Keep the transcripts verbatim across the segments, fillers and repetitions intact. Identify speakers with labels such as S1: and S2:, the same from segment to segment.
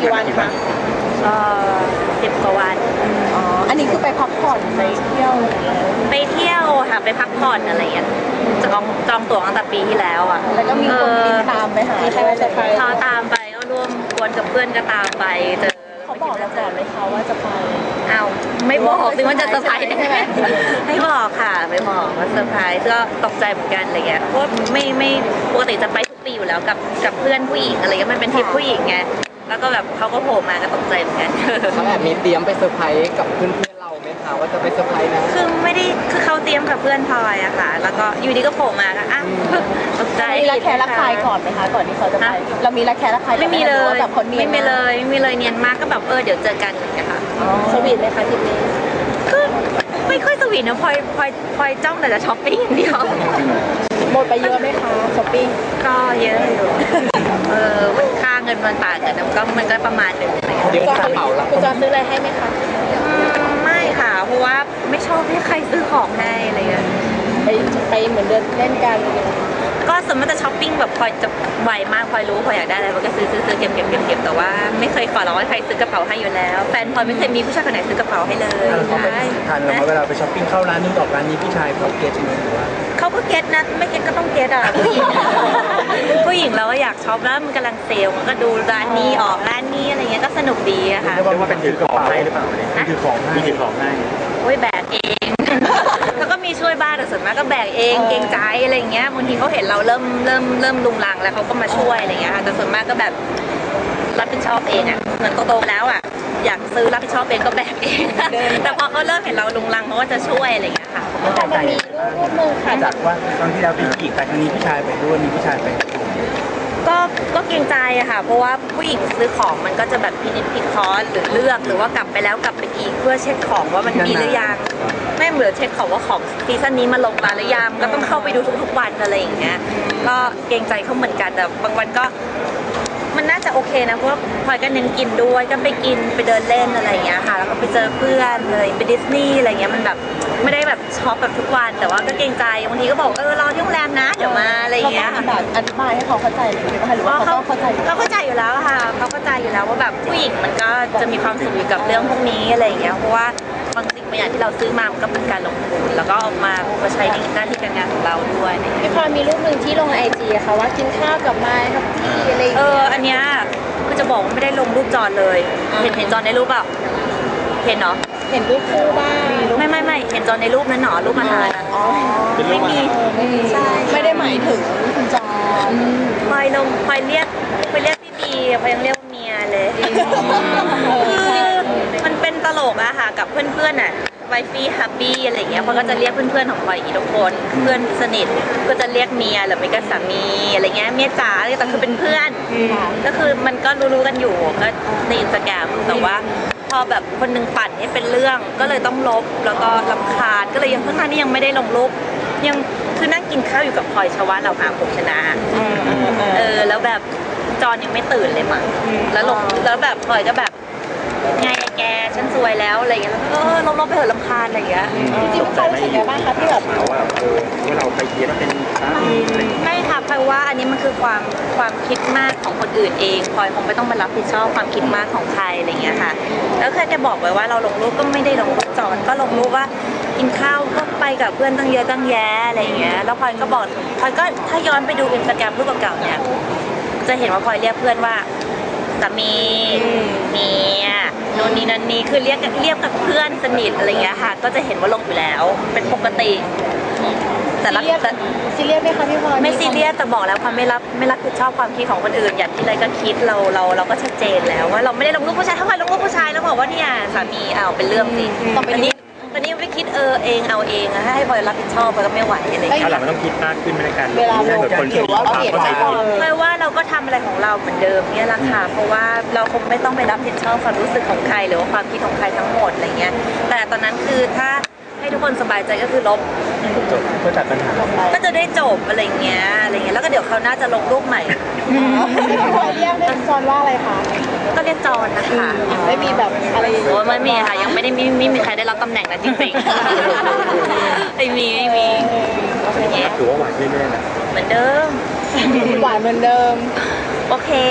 S1: กี่วันคะ
S2: ก็สิบกว่าวัน
S1: อ๋ออันนี้คือไปพักผ่อนไปเที่ยว
S2: ไปเที่ยวค่ะไปพักผ่อนอะไรอย่างเงี้ยจองจองตั๋วตั้งแต่ปีที่แล้วอ่ะ
S1: แล้วก็มีคนบินตามไปหาใช่ไหมจะไป
S2: เขาตามไปก็ร่วมกวนกับเพื่อนก็ตามไปเจอ
S1: เขาบอกเราก่อนเลยเขาว่าจะไป
S2: อ้าวไม่บอกสิว่าจะเซอร์ไพรส์ใช่ไหมไม่บอกค่ะไม่บอกว่าเซอร์ไพรส์ก็ตกใจเหมือนกันอะไรเงี้ยเพราะไม่ไม่ปกติจะไปทุกปีอยู่แล้วกับกับเพื่อนผู้หญิงอะไรเงี้ยมันเป็นทริปผู้หญิงไงแล้วก็แบบเขาก็โผล่มาก็ตกใจเหมือนกัน
S3: เขาแบบมีเตรียมไปเซอร์ไพรส์กับเพื่อนเพื่อนเราไหมคะว่าจะไปเซอร์ไพรส์นะ
S2: คือไม่ได้คือเขาเตรียมกับเพื่อนพลอยอะค่ะแล้วก็อยู่ดีก็โผล่มาค่ะอ่ะตกใจ
S1: มีรักแค่รักใครก่อนไหมคะก่อนที่เขาจะไปเรามีรักแค่รักใคร
S2: ไม่มีเลย
S1: แบบคนเนียน
S2: ไม่มีเลยไม่มีเลยเนียนมากก็แบบเออเดี๋ยวเจอกันอย่างเงี้ยค่ะ
S1: สวีทไหมคะทริปนี้
S2: ก็ไม่ค่อยสวีทนะพลอยพลอยพลอยจ้องแต่จะช้อปปิ้งเดียว
S1: หมดไปเยอะไหมคะช้อปปิ้ง
S2: ก็เยอะอยู่เออมันค่าเงินมันต่างกันมันก็มันก็ประมาณหนึ่ง
S3: เดี๋ยวกระเป๋าละ
S1: คุณจอนซื้ออะไรให้ไหมคะ
S2: ไม่ค่ะเพราะว่าไม่ชอบให้ใครซื้อของให้อะไรเงี้ย
S1: ไปไปเหมือนเดินเล่นกัน
S2: ก็สมมติจะช้อปปิ้งแบบพลอยจะไวมากพลอยรู้พลอยอยากได้อะไรมันก็ซื้อซื้อซื้อเก็บเก็บเก็บเก็บแต่ว่าไม่เคยขอร้องให้ใครซื้อกระเป๋าให้อยู่แล้วแฟนพลอยไม่เคยมีผู้ชายคนไหนซื้อกระเป๋าให้เลย
S4: ใช่ทานแล้วเวลาไปช้อปปิ้งเข้าร้านนู้นออกร้านนี้ผู้ชายเขาเก็ตไหมหรือว่า
S2: เขาก็เก็ตนะไม่เก็ตก็ต้องเก็ตอ่ะผู้หญิงผู้หญิงเราก็อยากช็อปแล้วมันกำลังเซลมันก็ดูร้านนี้ออกร้านนี้อะไรเงี้ยก็สนุกดีอะค่ะ
S4: เรียกว่าเป็นถือกระเป๋าให้หรือเปล่าเนี่ยถือของให้ถือของให้
S2: โอ้ยแบกเองเขาก็มีช่วยบ้างแต่ส่วนมากก็แบกเองเกรงใจอะไรเงี้ยบางทีเขาเห็นเราเริ่มเริ่มเริ่มลุงลังแล้วเขาก็มาช่วยอะไรเงี้ยค่ะแต่ส่วนมากก็แบบรับผิดชอบเองอ่ะเหมือนโตๆแล้วอ่ะอยากซื้อรับผิดชอบเองก็แบกเองแต่พอเขาเริ่มเห็นเราลุงลังเขาก็จะช่วยอะไรเงี้ยค่ะ
S1: แต่มันมีรูปนึงค่ะ
S4: จากว่าตอนที่เราเป็นผู้หญิงแต่ครั้งนี้ผู้ชายไปด้วยมีผู้ชายไป
S2: ก็ก็เกรงใจอะค่ะเพราะว่าผู้หญิงซื้อของมันก็จะแบบพินิจพิเคราะห์หรือเลือกหรือว่ากลับไปแล้วกลับไปอีกเพื่อเช็คของว่ามันมีหรือยังไม่เหมือนเช็คของว่าของซีซั่นนี้มาลงมาหรือยังก็ต้องเข้าไปดูทุกๆวันอะไรอย่างเงี้ยก็เกรงใจเขาเหมือนกันแต่บางวันก็มันน่าจะโอเคนะเพราะว่าพลอยก็เน้นกินด้วยก็ไปกินไปเดินเล่นอะไรอย่างเงี้ยค่ะแล้วก็ไปเจอเพื่อนเลยไปดิสนีย์อะไรเงี้ยมันแบบไม่ได้แบบช็อปแบบทุกวันแต่ว่าก็เกรงใจบางทีก็บอกเออรอที่โรงแรมนะเดี๋ยวมาอะไรอย่างเงี้ย
S1: แบบอธิบายให้เขาเข้าใจเลยหรือว่าเขาเข้าใจ
S2: เขาเข้าใจอยู่แล้วค่ะเขาเข้าใจอยู่แล้วว่าแบบผู้หญิงมันก็จะมีความสุขอยู่กับเรื่องพวกนี้อะไรอย่างเงี้ยเพราะว่าบางสิ่งบางอย่างที่เราซื้อมามันก็เป็นการลงทุนแล้วก็เอามามาใช้ในหน้าที่การงานของเราด้วย
S1: พี่พลอยมีรูปหนึ่งที่ลงไอจีค่ะว่ากินข้าวกับไม้ครับพี่อะไร
S2: เอออันเนี้ยคือจะบอกว่าไม่ได้ลงรูปจอนเลยเห็นเห็นจอนในรูปเปล่าเห็นเนาะ
S1: เห็นรูปคู่บ้าง
S2: ไม่ไม่ไม่เห็นจอนในรูปนั้นหนอรูปอาหารไม่มี
S1: ใช่ไม่ได้หมายถึงคุณจอน
S2: พลอยลงพลอยเรียกพลอยเรียกพี่บีพลอยยังเรียกเมียเลยคือมันเป็นตลกอะค่ะกับเพื่อนๆอะไวฟี่ฮับบี้อะไรอย่างเงี้ยพลอยก็จะเรียกเพื่อนๆของพลอยอีกทุกคนเพื่อนสนิทก็จะเรียกเมียหรือไม่ก็สามีอะไรเงี้ยเมียจ๋าอะไรแต่คือเป็นเพื่อนก็คือมันก็รู้ๆกันอยู่ก็ในอินสตาแกรมแต่ว่าพอแบบคนนึงปั่นให้เป็นเรื่องก็เลยต้องลบแล้วก็รำคาญก็เลยยังเพิ่งนั้นนี่ยังไม่ได้ลงรูปยังคือนั่งกินข้าวอยู่กับพลอยชวาเราหาผมชนะเออแล้วแบบจอนยังไม่ตื่นเลยมั้งแล้วลงแล้วแบบพลอยก็แบบไงไอ้แกฉันซวยแล้วอะไรอย่างเงี้ยแล้วก็เออลบๆไปเถอะรำคาญอะไรอย่างเงี้ย
S1: จริงๆเขารู้สึกยังไงบ้างคะที่แบบ
S4: ว่าเออว่าเราไปเทียบเป็น
S2: ไม่ค่ะเพราะว่าอันนี้มันคือความความคิดมากของคนอื่นเองพลอยคงไม่ต้องมารับผิดชอบความคิดมากของใครอะไรอย่างเงี้ยค่ะแล้วเคยจะบอกไว้ว่าเราลงรูปก็ไม่ได้ลงรูปจอนก็ลงรูปว่ากินข้าวก็ไปกับเพื่อนตั้งเยอะตั้งแยะอะไรอย่างเงี้ยแล้วพลอยก็บอกพลอยก็ถ้าย้อนไปดูอินสตาแกรมรูปเก่าๆเนี่ยจะเห็นว่าพลอยเรียกเพื่อนว่าสามีเมียโน่นนี่นั่นนี่คือเรียกเรียกกับเพื่อนสนิทอะไรเงี้ยค่ะก็จะเห็นว่าลงอยู่แล้วเป็นปกติ
S1: แต่ซีเรียสซีเรียสไหมคะพี่พลอย
S2: ไม่ซีเรียสแต่บอกแล้วความไม่รับไม่รับผิดชอบความคิดของคนอื่นอย่างที่ไรก็คิดเราเราเราก็ชัดเจนแล้วว่าเราไม่ได้ลงรูปผู้ชายถ้าใครลงรูปผู้ชายแล้วบอกว่าเนี่ยสามีเอาเป็นเรื่องสิตอนนี้ตอนนี้ไม่คิดเออเองเอาเองให้พลอยรับผิดชอบพลอยก็ไม่ไหวอะไรอย่างเงี้ย
S4: ถ้าหลังมันต้องคิดมากขึ้นในการ
S1: เวลาลง
S4: คนถือว่าเปลี่ยนไป
S2: เพราะว่าเราก็ทำอะไรของเราเหมือนเดิมเนี่ยแหละค่ะเพราะว่าเราคงไม่ต้องไปรับผิดชอบความรู้สึกของใครหรือว่าความคิดของใครทั้งหมดอะไรเงี้ยแต่ตอนนั้นคือถ้าให้ทุกคนสบายใจก็คือลบ
S4: จบก็จัดปัญหา
S2: ก็จะได้จบอะไรเงี้ยอะไรเงี้ยแล้วก็เดี๋ยวเขาน่าจะลงรูปใหม่
S1: พลอยเรียกจอนว่าอะไรคะ
S2: ก็เรียกจอนนะคะ
S1: ไม่มีแบบอะไร
S2: โอ้ไม่มีค่ะยังไม่ได้มีไม่มีใครได้รับตำแหน่งนั้นจริงๆไม่มีไม่มี
S4: ถือว่าหวานเรื่อยๆนะ
S2: เหมือนเดิม
S1: หวานเหมือนเดิม
S2: โอเค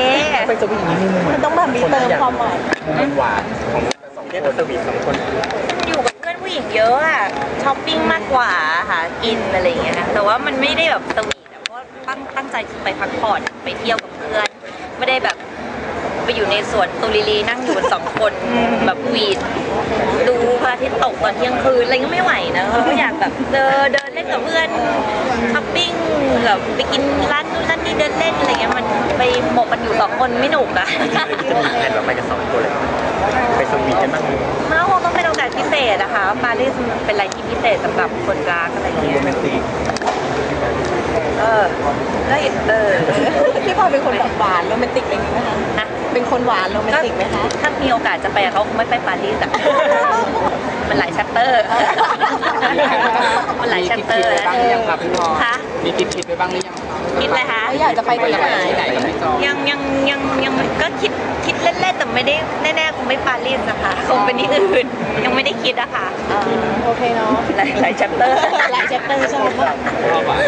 S4: ต้องไปสวีทนิดนึง
S1: มันต้องแบบมีเติมความหวาน
S4: มันหวานของสองคนสวีทสองคน
S2: อยู่กับเพื่อนผู้หญิงเยอะอะช้อปปิ้งมากกว่าค่ะกินอะไรอย่างเงี้ยนะแต่ว่ามันไม่ได้แบบสวีทอะเพราะว่าตั้งตั้งใจไปพักผ่อนไปเที่ยวกับเพื่อนไม่ได้แบบไปอยู่ในสวนตุลิลีนั่งอยู่กันสองคนแบบหวีดดูพระอาทิตย์ตกตอนเที่ยงคืนอะไรก็ไม่ไหวนะเราก็อยากแบบเดินเดินเล่นกับเพื่อนช้อปปิ้งแบบไปกินร้านนู้นร้านนี้เดินเล่นอะไรเงี้ยมันไปหมกกันอยู่สองคนไม่หนุกอะ
S4: จะมีแผนว่าไปกันสองคนเลยไปสวีทกันบ้าง
S2: มันก็คงต้องเป็นโอกาสพิเศษนะคะปารีสมันเป็นอะไรที่พิเศษสำหรับคนรักอะไรเงี้ย
S4: โรแมนติก
S2: เออก็เออ
S1: พี่พลอยเป็นคนแบบหวานโรแมนติกอะไรอย่างนี้ไหมคะ
S2: นะ
S1: เป็นคนหวานโรแมนติกไหมคะ
S2: ถ้ามีโอกาสจะไปกับเขาคงไม่ไปปารีสอะมันหลายแชปเตอร์มันหลาย
S3: มี
S2: แชป
S3: คิด
S2: เตอ
S3: คิด
S2: ร์
S3: ไปบ้างหรือยังครับพี่พลอย
S2: คะ
S3: มีคิดคิดไปบ้างหรือยังครับ
S2: คิดเลยคะ
S1: อยากจะไปที่ไหน
S3: ที่ไหนกับพี่จอ
S2: ยังยังยังยังก็คิดคิดเล่นๆแต่ไม่ได้แน่ๆคงไม่ปารีสนะคะคงเป็นที่อื่นยังไม่ได้คิดอะค่ะ
S1: อ่าโอเคเนาะ
S2: หลายหลายแชปเตอร์
S1: หลายแชปเตอร์ใช่ไหมคะ
S3: ชอบอ่ะ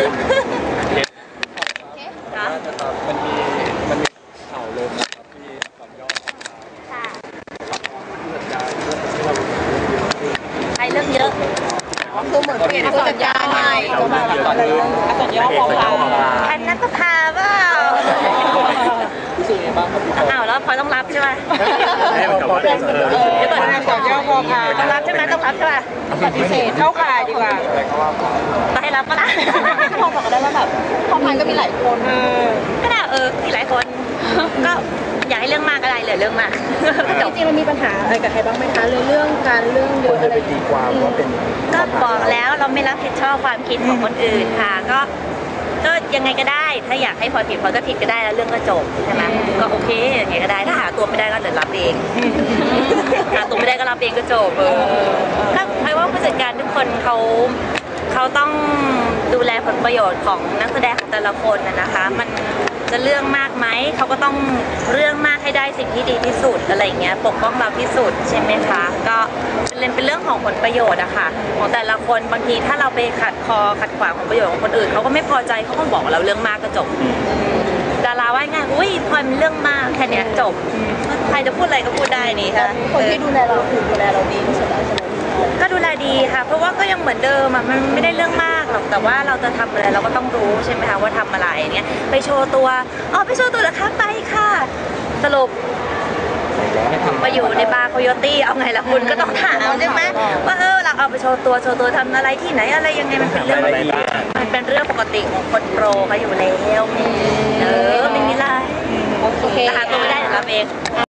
S2: ค่ะ
S3: มันมีมันมีข่าวลงนะครับที่สามยอด
S2: ค่ะ
S3: สัญญาเรื่องที่เรา
S2: ไปเรื่องเยอะ
S1: คือเหมือนเปลี่ยนผู้จัดการใหม่ก็มาแบบอะไรเรื่องอักษรย่อพอพา
S2: อันนั้นก็พาเปล่า
S3: รู้สึกยังไงบ้างครับพี่พลอย
S2: อ้าวแล้วพลอยต้องรับใช่ไหม
S4: ให้มันกับว่าเออ
S2: เดี๋ยวก่อน
S1: อักษรย่อพอพา
S2: ต้องรับใช่ไหมต้องรับใช่ไหม
S1: ปฏิเสธเข้าข่ายดีกว่า
S3: อะไรก็ว่าไป
S2: ต้องให้รับปะล่ะ
S1: พอบอกได้ว่าแบบพอพันก็มีหลายคน
S2: ก็ได้เออมีหลายคน ก็อย่าให้เรื่องมากก็ได้เหลือเรื่องมากจบ
S1: จริงๆมันมีปัญหาอะไรกับใครบ้างไหมคะเรื่องเรื่องการเรื่องเย
S4: คน
S1: อะ
S4: จะ
S1: อะไร
S4: ไปตีความว่าเป็น
S2: ก็บอกแล้วเราไม่รับผิดชอบความคิดของคนอื่นค่ะ ก็ก็ยังไงก็ได้ ถ้าอยากให้พลอยผิดพลอยก็ผิดก็ได้แล้วเรื่องก็จบใช่ไหมก็โอเคยังไงก็ได้ถ้าหาตัวไม่ได้ก็เดี๋ยวรับเองหาตัวไม่ได้ก็รับเองก็จบเออถ้าใครว่าผู้จัดการทุกคนเขาเขาต้องดูแลผลประโยชน์ของนักแสดงของแต่ละคนนะนะคะ มันจะเรื่องมากไหมเขาก็ต้องเรื่องมากให้ได้สิ่งที่ดีที่สุดอะไรเงี้ยปกป้องเราที่สุดใช่ไหมคะก็เป็นเป็นเรื่องของผลประโยชน์อะค่ะของแต่ละคนบางทีถ้าเราไปขัดคอขัดขวางผลประโยชน์ของคนอื่นเขาก็ไม่พอใจเขาก็บอกเราเรื่องมากก็จบดาราว่าไงอุ้ยพลอยมันเรื่องมากแค่เนี้ยจบใครจะพูดอะไรก็พูดได้นี่ค่ะ
S1: คนที่ดูแลเราคือดูแลเราดีที่สุดแล้วใช่ไหม
S2: ก็ดูแลดีค่ะ เพราะว่าก็ยังเหมือนเดิมอะมันไม่ได้เรื่องมากหรอกแต่ว่าเราจะทำอะไรเราก็ต้องรู้ใช่ไหมคะว่าทำอะไรเนี้ยไปโชว์ตัวอ๋อไปโชว์ตัวเหรอคะไปค่ะสรุปมาอยู่ในบาร์โคโยตี้เอาไงล่ะคุณก็ต้องถามใช่ไหมว่าเออเราเอาไปโชว์ตัวโชว์ตัวทำอะไรที่ไหนอะไรยังไงมันเป็นเรื่องมันเป็นเรื่องปกติของคนโปรเขาอยู่แล้วเออไม่มีอะไร
S1: โอเค
S2: แต่หาตัวไม่ได้เดี๋ยวรับเอง